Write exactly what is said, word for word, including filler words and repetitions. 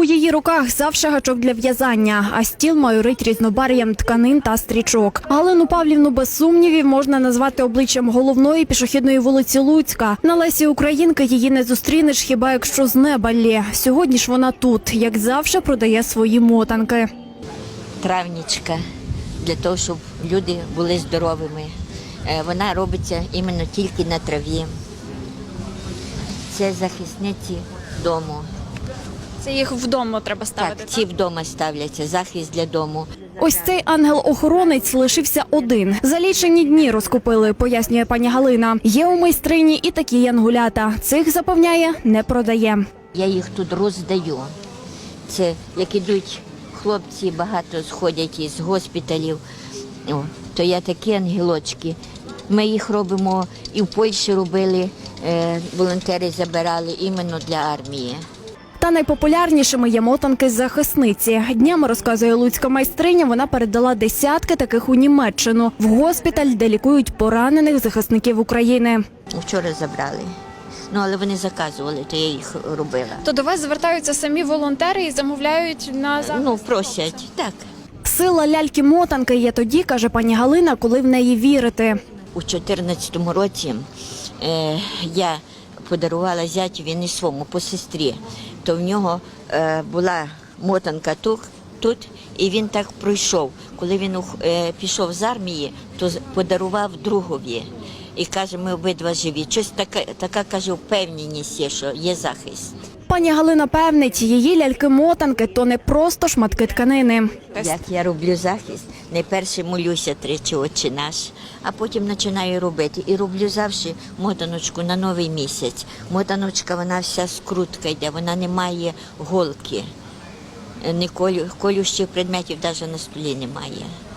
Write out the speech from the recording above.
її руках завжди гачок для в'язання, а стіл майорить різнобарв'ям тканин та стрічок. Галину Павлівну без сумнівів можна назвати обличчям головної пішохідної вулиці Луцька. На Лесі Українки її не зустрінеш, хіба якщо з неба лє. Сьогодні ж вона тут, як завжди, продає свої мотанки. Травнічка, для того, щоб люди були здоровими. Вона робиться іменно тільки на траві. Це захисниці дому. Це їх вдома треба ставити? Так, ці вдома ставляться, захист для дому. Ось цей ангел-охоронець лишився один. За лічені дні розкупили, пояснює пані Галина. Є у майстрині і такі янгулята. Цих, запевняє, не продає. Я їх тут роздаю. Це як ідуть хлопці, багато сходять із госпіталів, о, то я такі ангелочки. Ми їх робимо і в Польщі робили, е, волонтери забирали іменно для армії. Та найпопулярнішими є мотанки з захисниці. Днями, розказує луцька майстриня, вона передала десятки таких у Німеччину, в госпіталь, де лікують поранених захисників України. Вчора забрали. Ну, але вони заказували, то я їх робила. То до вас звертаються самі волонтери і замовляють на захист? Ну, просять, так. Сила ляльки-мотанки є тоді, каже пані Галина, коли в неї вірити. У чотирнадцятому році е, я подарувала зятю, він і своєму, по сестрі. То в нього е, була мотанка тут, тут, і він так пройшов. Коли він е, пішов з армії, то подарував другові. І каже, ми обидва живі. Щось така, така каже, впевненість є, що є захист. Пані Галина певнить, її ляльки-мотанки – то не просто шматки тканини. Як я роблю захист, найперше молюся тричі «Отче наш», а потім починаю робити. І роблю завжди мотаночку на новий місяць. Мотаночка, вона вся скрутка йде, вона не має голки. Ні колю, колющих предметів навіть на столі немає.